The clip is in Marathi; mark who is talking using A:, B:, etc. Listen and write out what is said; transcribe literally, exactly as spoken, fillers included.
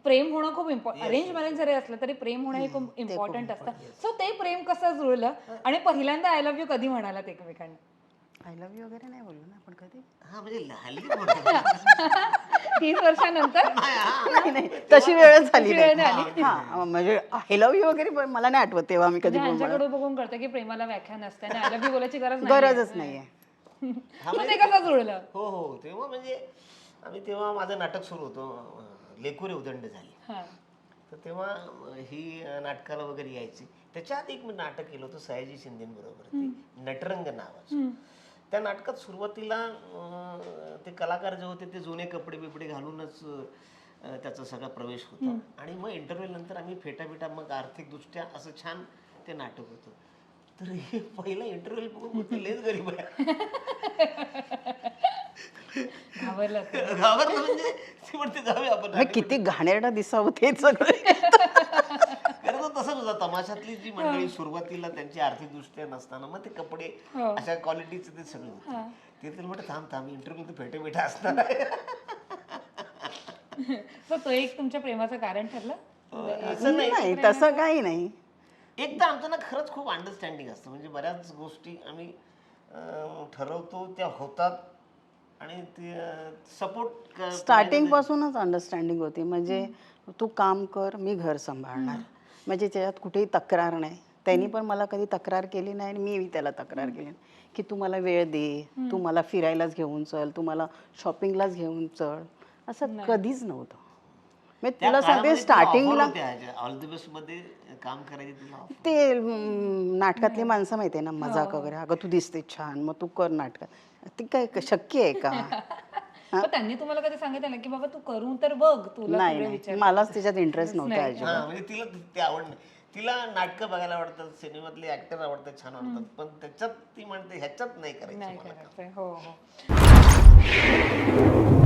A: प्रेम होणं खूप इम्पॉर्टंट, अरेंज मॅरेज जरी असलं तरी प्रेम होणं हे खूप इम्पॉर्टंट असतं. सो ते प्रेम कसं जुळलं आणि पहिल्यांदा आय लव्ह यू कधी म्हणालात एकमेकांना?
B: आय लव्ह यू वगैरे नाही बोललो ना आपण कधी.
C: हा म्हणजे हल्ली बोलतो.
A: तीस वर्षानंतर
B: नाही नाही तशी वेळच झाली
A: तशी वेळ
B: नाही. हा म्हणजे आय लव्ह यू वगैरे पण मला नाही आठवत तेव्हा मी कधी बोललो.
A: यांच्याकडे बघून कळतं की प्रेमाला व्याख्या नसते आणि आय लव्ह यू बोलायची गरज नाही.
B: गरजच नाहीये.
A: मग ते कसं जुळलं?
C: हो हो तेव्हा म्हणजे आम्ही तेव्हा माझं नाटक सुरू होतं, लेकुरे उदंड झाली.
A: हा.
C: तर तेव्हा ही नाटकाला वगैरे यायची. त्याच्या आधी एक मी नाटक केलं होतं सयाजी शिंदेबरोबर, ते नटरंग नावाचं. त्या नाटकात सुरुवातीला अं, ते कलाकार जे होते ते जुने कपडे बिपडे घालूनच अं, त्याचा सगळा प्रवेश होता. आणि मग इंटरव्ह्यू नंतर आम्ही फेटाफेटा मग आर्थिकदृष्ट्या असं छान ते नाटक होतं. तर हे पहिला इंटरव्ह्यू बघून मग ते लयच गरीब आहे.
A: घाबरलं
C: घाबरलं म्हणजे ती म्हणते जाऊया आपण
B: मग किती घाणेरडा दिसावं ते सगळं.
C: खरं तर तसंच होतं. तमाशातली जी मंडळी सुरुवातीला त्यांची आर्थिक दृष्ट्या नसताना मग ते कपडे अशा क्वालिटीचे ते सगळे होते. ते तर म्हटलं थांब थांब इंटरव्ह्यू तर फेटे फेटे असणार आहे.
A: सो तो एक तुमच्या प्रेमाचं कारण ठरलं?
C: असं नाही.
B: नाही तसं काही नाही.
C: एक तर आमचं ना खरंच खूप अंडरस्टँडिंग असतं. म्हणजे बऱ्याच गोष्टी आम्ही अं, ठरवतो त्या होतात आणि ते सपोर्ट
B: स्टार्टिंग पासूनच अंडरस्टँडिंग होती. म्हणजे तू काम कर मी घर सांभाळणार, म्हणजे त्याच्यात कुठेही तक्रार नाही. त्यांनी पण मला कधी तक्रार केली नाही आणि मी त्याला तक्रार केली नाही की तू मला वेळ दे, तू मला फिरायलाच घेऊन चल, तू मला शॉपिंगलाच घेऊन चल, असं कधीच नव्हतं. मी तुला सांगते स्टार्टिंगला
C: ऑल द बेस्ट मध्ये काम करायचे तुला offer.
B: ते अं, नाटकातली माणसं माहिती आहे ना, मजाक वगैरे, अगं तू दिसते छान मग तू कर नाटकात, ते काय शक्य आहे का?
A: पण त्यांनी तुम्हाला कधी सांगितलं ना की बाबा तू करून तर बघ, तुला
B: नाही
A: सगळे
B: नाही
A: विचार.
B: मलाच त्याच्यात इंटरेस्ट नव्हता अजिबात.
C: हा म्हणजे तिला ते आवड नाही. तिला नाटकं बघायला आवडतात, सिनेमातले ऍक्टर आवडतात, छान आवडतात, पण त्याच्यात ती म्हणते ह्याच्यात नाही करायचं
A: नाही
C: मला काम.
A: करायचंय. हो हो.